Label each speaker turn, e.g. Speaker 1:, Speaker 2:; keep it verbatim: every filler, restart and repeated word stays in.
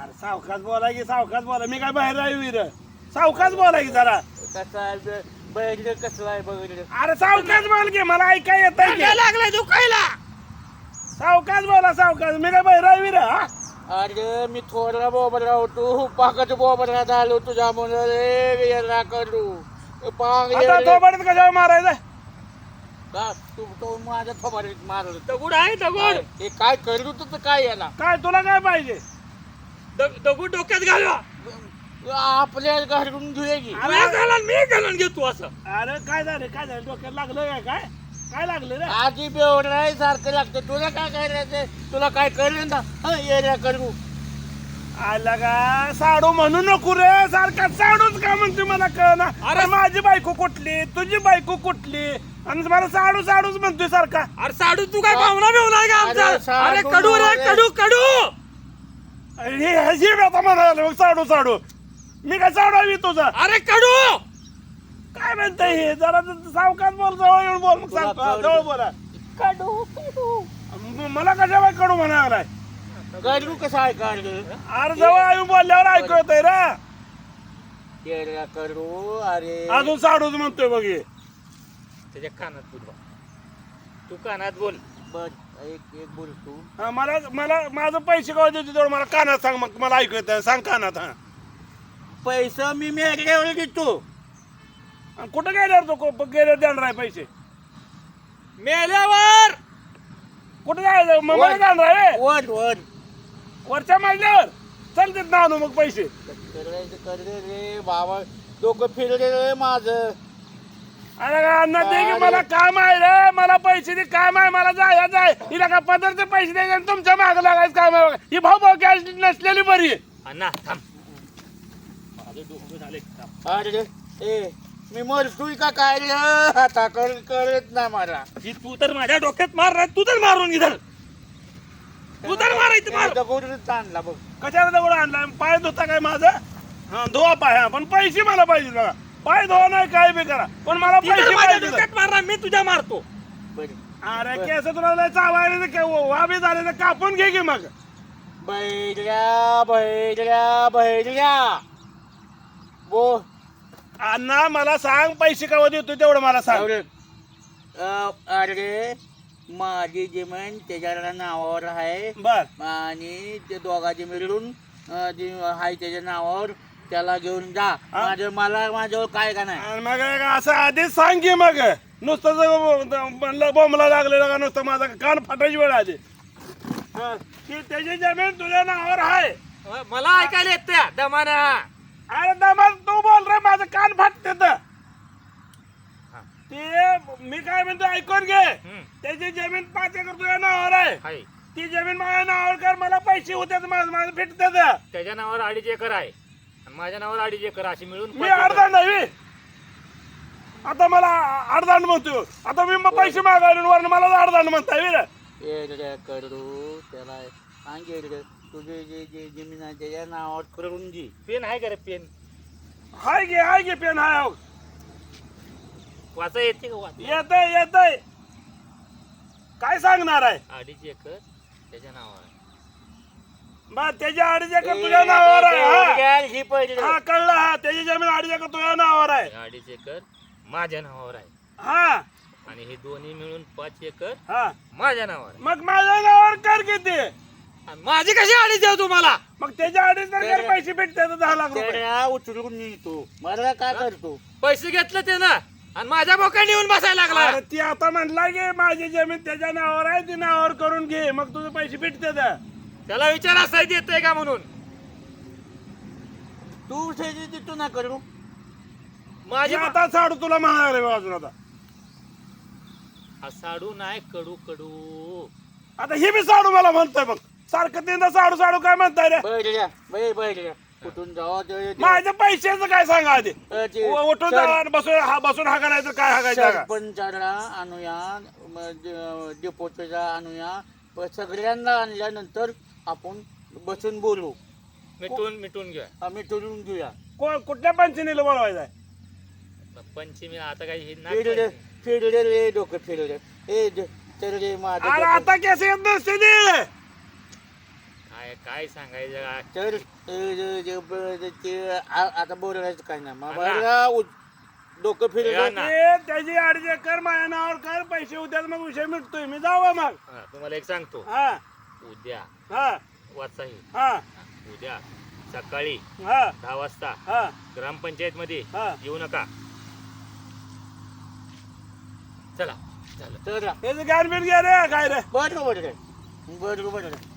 Speaker 1: अरे सावकाश बोला की सावकाश बोला मी काय बाहेर राही विर सावकाश बोला की जरा
Speaker 2: कसा आहे बैल कसला आहे बघितलं
Speaker 1: अरे सावकाश बोल की मला ऐकाय येत
Speaker 3: लागलाय दुखायला.
Speaker 1: सावकाश बोला सावकाश मी काय बाहेर राही विर
Speaker 2: अरे मी थोडा बोबडा होतो पाकाचं बोबडा झालो तुझ्या मुलं रे याला करू पांग
Speaker 1: आता थोबाडीत कशावर मारायचं
Speaker 2: का तू तो माझ्या थोबाडीत मारलं
Speaker 3: दगड आहे दगड.
Speaker 2: हे काय करू तर काय याला
Speaker 1: काय तुला काय पाहिजे
Speaker 3: दग- दगड डोक्यात घालवा.
Speaker 2: आपल्या घरून घेऊया की
Speaker 3: मी घालून मी घालून घेतो असं.
Speaker 1: अरे काय झालं काय झालं डोक्यात लागलं काय काय काय लागलं रे
Speaker 2: आजी बेवडा सारखं लागतं तुला काय करायचं तुला काय करेल ना हं, येड्या करू
Speaker 1: आला का साडू म्हणू नको रे सारखा साडूच का म्हणते मला कळना अरे माझी बायको कुठली तुझी बायको कुठली आणि मला साडू साडूच म्हणतोय सारखा
Speaker 3: अरे साडू तू काय भावना बिवना का
Speaker 2: अरे
Speaker 3: आमचा?
Speaker 2: साडू
Speaker 3: अरे कडू रे
Speaker 2: रे.
Speaker 3: कडू कडू.
Speaker 1: हे हे आता म्हणाले मग साडू साडू मी काय साडावी तुझा
Speaker 3: अरे कडू.
Speaker 1: काय म्हणताय हे जरा सावकाश बोल जवळ येऊन बोल मग
Speaker 2: तुला
Speaker 1: सांग
Speaker 2: कळलं.
Speaker 1: जवळ बोला
Speaker 2: कडू कडू
Speaker 1: म- मला कशा बाय कडू म्हणालाय
Speaker 2: कडू कसं आहे काढलं
Speaker 1: अरे जवळ येऊन बोलल्यावर ऐकू येतंय रे
Speaker 2: येड्या करू अरे
Speaker 1: अजून साडूच म्हणतोय बघ हे
Speaker 3: त्याच्या कानात बोल बा. तू कानात बोल.
Speaker 2: बर एक एक बोल तू
Speaker 1: हा, मला मला माझं पैसे कवा देतो तेवढं मला कानात सांग मग मला ऐकू येतं सांग कानात हा
Speaker 2: पैसा मी मेघड्यावर घेतो
Speaker 1: आणि कुठं गेल्यावर तो को- गेल्यावर देणार आहे पैसे
Speaker 3: मेल्यावर
Speaker 1: कुठं जायचं मग मला जाणार आहे
Speaker 2: वर वर
Speaker 1: वरच्या मजल्यावर चल देत ना आणू मग पैसे
Speaker 2: करायचं कर रे रे बाबा डोकं फिरले रे माझं
Speaker 1: अरे का अण्णा दे की मला काम आहे रे मला पैसे दे काम आहे मला जाय जाय हिला का पदरचे पैसे द्यायचे आणि तुमच्या मागं लागायचं काम आहे बघा. ही भाऊ भाऊ कॅश नसलेली बरी आहे
Speaker 3: अण्णा थांब. माझं डोकं झाले थांब.
Speaker 2: अरे ए मी मरतोय का काय रे आता कर करत नाही मला
Speaker 3: ही तू तर माझ्या डोक्यात मार रे. तू तर मारून इधर तू तर मारायचं मार.
Speaker 2: दगडच आणला बघ
Speaker 1: कशाला दगड आणला पाय धुता काय माझा हा धुवा पाय हा पण पैसे मला पाहिजे बघा पाय धुवा नाही काय बी करा पण मला
Speaker 3: ती तर
Speaker 1: पैसे
Speaker 3: माझ्या
Speaker 1: पाहिजे
Speaker 3: डोक्यात मारला मी तुझ्या मारतो.
Speaker 2: बरं
Speaker 1: अरे केस तुला लय चावायला तर वाबी झाले तर कापून घे की मग
Speaker 2: बैल्या बैल्या बैल्या बो
Speaker 1: अण्णा मला सांग पैसे केव्हा देतो तेवढं मला सांग
Speaker 2: अरे अ, अरे माझी जमीन त्याच्या नावावर आहे
Speaker 1: बर
Speaker 2: आणि ते दोघांची मिळून अ, जी आहे त्याच्या नावावर त्याला घेऊन जा
Speaker 1: हा?
Speaker 2: माझं मला माझ्यावर काय का नाही
Speaker 1: आणि मग असं आधीच सांग की मग नुसतं जर म्हणलं बोंबला लागलेलं का नुसतं माझा कान फाटायची वेळ आली हा, की त्याची जमीन तुझ्या नावावर आहे
Speaker 3: मला ऐकायला येत त्या दमाना.
Speaker 1: अरे दमाल तू बोल रे माझं कान फाटते तर ते मी काय म्हणतो ऐकून घे
Speaker 3: हम्म.
Speaker 1: त्याची जमीन पाच एकर तुझ्या नावावर आहे
Speaker 3: हाय.
Speaker 1: ती जमीन माझ्या नावावर कर मला पैसे होते माझं माझं फिटते
Speaker 3: त्याच्या नावावर अडीच एकर आहे आणि माझ्या नावावर अडीच एकर अशी मिळून
Speaker 1: मी
Speaker 3: पाच एकर.
Speaker 1: अर्धा नाही आता मला अर्धांड म्हणतो आता मी मग पैसे मागायला वरून मला अर्धांड म्हणताय रे
Speaker 2: येड्या करू त्याला सांगे रे तुझे जे जे जमीन आहे त्याच्या नावावर करून घे
Speaker 3: पेन आहे का रे पेन
Speaker 1: हाय घे हाय घे पेन हाय
Speaker 3: वाचा येते का वाच
Speaker 1: येतय येतय काय सांगणार आहे
Speaker 3: अडीच एकर त्याच्या नावावर आहे.
Speaker 1: बा त्याच्या अडीच एकर तुझ्या नावावर आहे हा.
Speaker 2: ही पहिले
Speaker 1: हा कळलं हा त्याची जमीन अडीच एकर तुझ्या नावावर आहे
Speaker 3: अडीच एकर माझ्या नावावर आहे
Speaker 1: हा
Speaker 3: आणि हे दोन्ही मिळून पाच एकर
Speaker 1: हा
Speaker 3: माझ्या नावावर आहे.
Speaker 1: मग माझ्या नावावर कर किती
Speaker 3: आणि माझी कशी अडीच देऊ तुम्हाला
Speaker 1: मग त्याच्या अडीच तर कर पैसे भेटते तर दहा लाख रुपये
Speaker 2: त्याला उचलून निघतो मला काय करतो
Speaker 3: पैसे घेतले ते ना आणि माझ्या बोकांनी येऊन बसायला लागला.
Speaker 1: अरे ती आता म्हणला की माझी जमीन त्याच्या नावावर आहे ती नावावर करून घे मग तुझे पैसे भेटते तर
Speaker 3: त्याला विचार असा देतोय का म्हणून
Speaker 2: तू त्याची तू ना करू
Speaker 3: माझी
Speaker 1: मी आता साडू तुला म्हणाले अजून आता
Speaker 3: हा साडू नाही कडू कडू
Speaker 1: आता हे बी साडू मला म्हणतोय बघ सारखं तीनदा साडू साडू काय म्हणताय रे
Speaker 2: बैठल्या बै बैठल्या कुठून जावा ते- ते-
Speaker 1: माझ्या पैशाचं काय सांगा आधी
Speaker 2: अ, ते-
Speaker 1: उ- उठून
Speaker 2: सर-
Speaker 1: जावा आणि बसून हा बसून हा करायचं काय हाकायचं का
Speaker 2: सरपंचाला आणूया म, ड- डेपोटीला आणूया प- सगळ्यांना आणल्यानंतर आपण बसून बोलू
Speaker 3: मिटून मिटून घ्या.
Speaker 2: आम्ही ठरवून घेऊया
Speaker 1: को- कुठल्या पंचनीला बोलवायचं
Speaker 3: पंचमी आता काही हे
Speaker 2: फिरले
Speaker 3: नाही.
Speaker 2: फिरले रे डोकं फिरले ए ज- तर रे माझं
Speaker 1: अरे
Speaker 2: डोकं-
Speaker 1: आता केस येत नसते ते
Speaker 3: काय काय काय सांगायचं काय?
Speaker 2: तर अ, ज- ज- ब- ते आ- आता बोलायचं काय नाही मग
Speaker 3: अण्णा.
Speaker 2: बरं, उ- डोकं
Speaker 3: ए,
Speaker 2: फिरत
Speaker 3: अण्णा.
Speaker 1: ते त्याची अडचण कर माझ्या नावावर कर पैसे उद्या मग विषय मिटतोय मी जावा मग
Speaker 3: हा, तुम्हाला एक सांगतो
Speaker 1: हा
Speaker 3: उद्या
Speaker 1: हा
Speaker 3: वाचाही
Speaker 1: हा
Speaker 3: उद्या सकाळी
Speaker 1: हा
Speaker 3: दहा वाजता
Speaker 1: हा
Speaker 3: ग्रामपंचायत मध्ये
Speaker 1: हा.
Speaker 3: येऊ नका. चला झालं.
Speaker 2: तर
Speaker 1: त्याचं गाणबिन घ्या रे काय रे
Speaker 2: बरं बरं बरं बरं